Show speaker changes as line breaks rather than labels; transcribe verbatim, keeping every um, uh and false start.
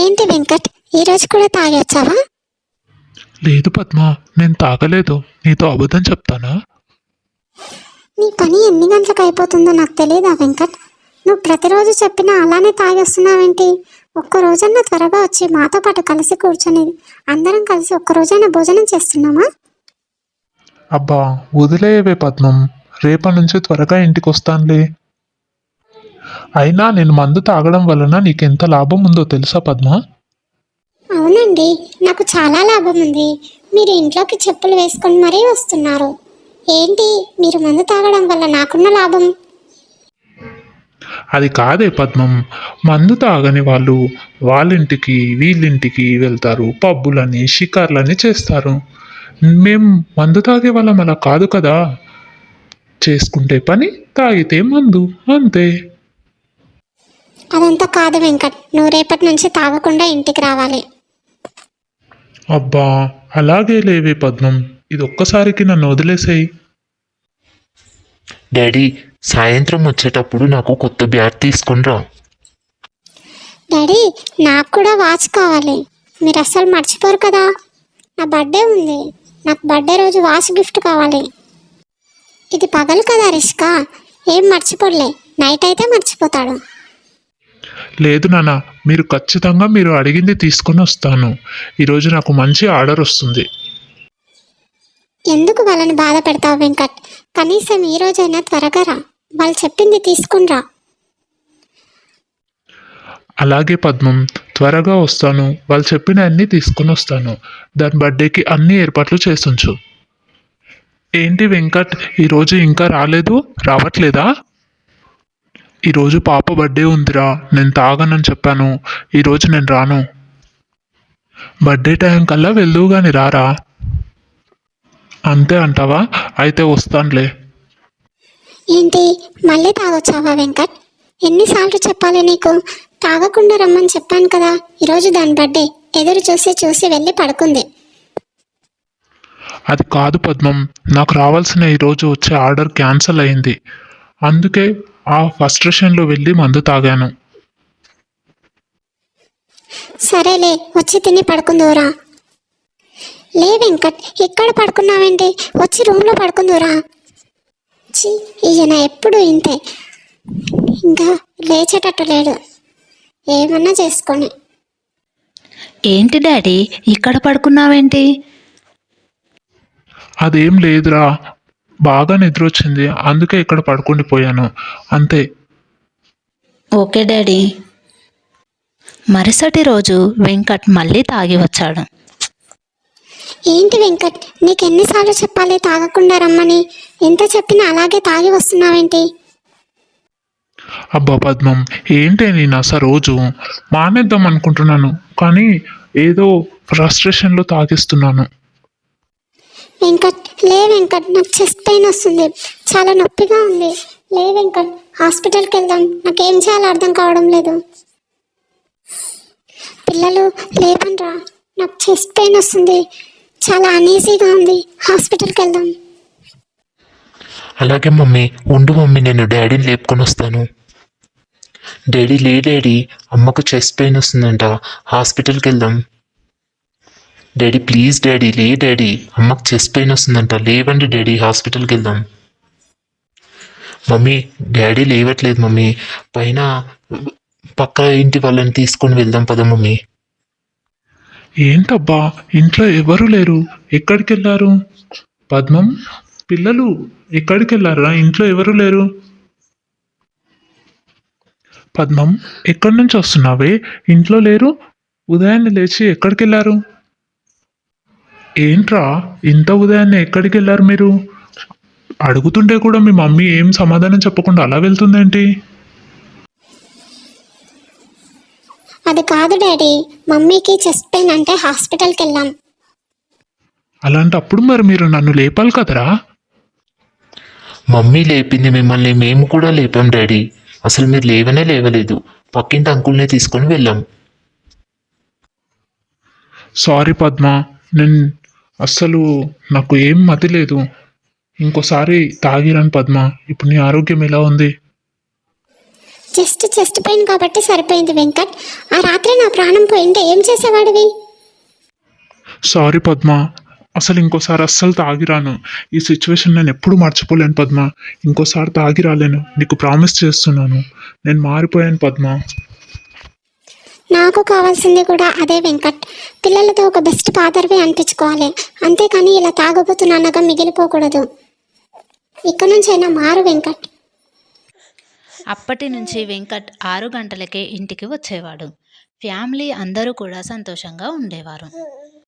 ఏంటి వెంకట్, ఈరోజు కూడా తాగి వచ్చావా?
లేదు పద్మ, నేను తాగలేదు. నీతో అబద్ధం చెప్తానా?
నీ పని ఎన్ని గంటలకు అయిపోతుందో నాకు తెలియదా వెంకట్? నువ్వు ప్రతిరోజు చెప్పినా అలానే తాగి వస్తున్నావేంటి? ఒక్క రోజన్నా త్వరగా వచ్చి మాతో పాటు కలిసి కూర్చొని అందరం కలిసి ఒక్క రోజైనా భోజనం చేస్తున్నామా?
అబ్బా వదిలేయవే పద్మం, రేపటి నుంచి త్వరగా ఇంటికి వస్తానులే. అయినా నేను మందు తాగడం వలన నీకెంత లాభం ఉందో తెలుసా పద్మ?
అవునండి, నాకు చాలా లాభం ఉంది. మీరు ఇంట్లోకి చెప్పులు వేసుకొని మరీ వస్తున్నారు. ఏంటి, మీరు మందు తాగడం వల్ల నాకున్న లాభం?
అది కాదే పద్మం, మందు తాగని వాళ్ళు వాళ్ళింటికి వీళ్ళింటికి వెళ్తారు, పబ్బులని షికార్లని చేస్తారు. మేం మందు తాగే వాళ్ళం అలా కాదు కదా. చేసుకుంటే పని, తాగితే మందు, అంతే.
అదంతా కాదు వెంకట్, నువ్వు రేపటి నుంచి తాగకుండా ఇంటికి రావాలి.
అబ్బా అలాగే లేవే పద్మం, ఇది ఒక్కసారికి నన్ను వదిలేసేయి.
డాడీ, సాయంత్రం వచ్చేటప్పుడు నాకు కొత్త బ్యాట్ తీసుకుని రా.
డాడీ, నాకు కూడా వాచ్ కావాలి. మీరు అస్సలు మర్చిపోరు కదా, నా బర్త్డే ఉంది. నాకు బర్త్డే రోజు వాచ్ గిఫ్ట్ కావాలి. ఇది పగలు కదా రిష్కా, ఏం మర్చిపోలే. నైట్ అయితే మర్చిపోతాడు.
లేదు నాన్న, మీరు ఖచ్చితంగా మీరు అడిగింది తీసుకొని వస్తాను. ఈరోజు నాకు మంచి ఆర్డర్ వస్తుంది.
ఎందుకు వాళ్ళని బాధ పెడతావు వెంకట్? కనీసం ఈ రోజైనా త్వరగా రా, వాళ్ళు చెప్పింది తీసుకుని రా.
అలాగే పద్మం, త్వరగా వస్తాను. వాళ్ళు చెప్పిన అన్నీ తీసుకొని వస్తాను. దాని బర్త్డేకి అన్ని ఏర్పాట్లు చేసుంచు. ఏంటి వెంకట్, ఈరోజు ఇంకా రాలేదు? రావట్లేదా? ఈరోజు పాప బర్త్డే ఉందిరా, నేను తాగనని చెప్పాను. ఈరోజు నేను రాను. బర్త్డే టైం కల్లా వెళ్దువు గాని రారా. అంతే అంటావా? అయితే వస్తానులే.
ఏంటి, మళ్ళీ తాగొచ్చావా వెంకట్? ఎన్నిసార్లు చెప్పాలి నీకు? తాగకుండా రమ్మని చెప్పాను కదా. ఈరోజు దాని బర్త్డే, ఎదురు చూసి చూసి వెళ్ళి పడుకుంది.
అది కాదు పద్మం, నాకు రావాల్సిన ఈరోజు వచ్చే ఆర్డర్ క్యాన్సిల్ అయింది. అందుకే ఆ ఫస్ట్రేషన్లో వెళ్ళి మందు తాగాను.
సరేలే, వచ్చి తిని పడుకుందురా. లే వెంకట్, ఇక్కడ పడుకున్నావేంటి? వచ్చి రూమ్లో పడుకుందురా. చి, ఈయన ఎప్పుడు ఇంతే, ఇంకా లేచేటట్టు లేడు. ఏమన్నా చేసుకొని.
ఏంటి డాడీ, ఇక్కడ పడుకున్నావేంటి?
అదేం లేదురా, బాగా నిద్ర వచ్చింది, అందుకే ఇక్కడ పడుకుండిపోయాను, అంతే.
Okay daddy. మరుసటి రోజు వెంకట్ మళ్ళీ తాగి వచ్చాడు.
ఏంటి వెంకట్, నీకెన్నిసార్లు చెప్పాలి తాగకుండా రమ్మని? ఎంత చెప్పినా అలాగే తాగి వస్తున్నావేంటి?
అబ్బా పద్మం, ఏంటి నేను అసలు రోజు మానేద్దాం అనుకుంటున్నాను, కానీ ఏదో ఫ్రస్ట్రేషన్లో తాగిస్తున్నాను.
వెంకట్, లే వెంకట్, నాకు చెస్ట్ పెయిన్ వస్తుంది, చాలా నొప్పిగా ఉంది. లే వెంకట్, హాస్పిటల్కి వెళ్దాం. నాకేం చేయాలో అర్థం కావడం లేదు. పిల్లలు లేపండ్రా, నాకు చెస్ట్ పెయిన్ వస్తుంది, చాలా అనీజీగా ఉంది. హాస్పిటల్కి వెళ్దాం.
అలాగే మమ్మీ, ఉండు మమ్మీ, నేను డాడీని లేపుకొని వస్తాను. డాడీ లే డాడీ, అమ్మకు చెస్ట్ పెయిన్ వస్తుందంట, హాస్పిటల్కి వెళ్దాం. డాడీ ప్లీజ్ డాడీ, లే డాడీ, అమ్మకు చెస్ట్ పెయిన్ వస్తుందంట, లేవండి డాడీ, హాస్పిటల్కి వెళ్దాం. మమ్మీ, డాడీ లేవట్లేదు మమ్మీ, పైన పక్క ఇంటి వాళ్ళని తీసుకొని వెళ్దాం పద మమ్మీ.
ఏంటబ్బా, ఇంట్లో ఎవరు లేరు, ఎక్కడికి వెళ్ళారు? పద్మం, పిల్లలు ఎక్కడికి వెళ్ళారా? ఇంట్లో ఎవరు లేరు. పద్మం, ఎక్కడి నుంచి వస్తున్నావే? ఇంట్లో లేరు, ఉదయాన్నే లేచి ఎక్కడికి వెళ్ళారు? ఏంట్రా, ఇంత ఉదయాన్నే ఎక్కడికి వెళ్ళారు మీరు? అడుగుతుంటే కూడా మీ మమ్మీ ఏం సమాధానం చెప్పకుండా అలా వెళ్తుందేంటి?
అది కాదు డాడీ, మమ్మీకి చెస్ట్ పెయిన్ అంటే హాస్పిటల్కి వెళ్ళాం.
అలాంటప్పుడు మరి మీరు నన్ను లేపాలి కదరా.
మమ్మీ లేపింది మిమ్మల్ని, మేము కూడా లేపాం డాడీ. అసలు మీరు లేవనే లేవలేదు, పక్కింటి అంకుల్నే తీసుకొని వెళ్ళాం.
సారీ పద్మ, నేను అస్సలు నాకు ఏం మతి లేదు. ఇంకోసారి తాగిరాను పద్మ. ఇప్పుడు నీ ఆరోగ్యం ఎలా ఉంది?
జస్ట్ చెస్ట్ పెయిన్ కాబట్టి సరిపోయింది వెంకట్. ఆ రాత్రి నా ప్రాణం పోయింటే ఏం చేసేవాడివి?
సారీ పద్మ, అసలు ఇంకోసారి అస్సలు తాగిరాను. ఈ సిచ్యువేషన్ నేను ఎప్పుడు మర్చిపోలేను పద్మ. ఇంకోసారి తాగి రాలేను, నీకు ప్రామిస్ చేస్తున్నాను. నేను మారిపోయాను పద్మ.
నాకు కావాల్సింది కూడా అదే వెంకట్. పిల్లలతో ఒక బెస్ట్ ఫాదర్వి అనిపించుకోవాలి, అంతేకాని ఇలా తాగబోతున్నానగా మిగిలిపోకూడదు. ఇక్కడ నుంచైనా మారు వెంకట్.
అప్పటి నుంచి వెంకట్ ఆరు గంటలకే ఇంటికి వచ్చేవాడు. ఫ్యామిలీ అందరూ కూడా సంతోషంగా ఉండేవారు.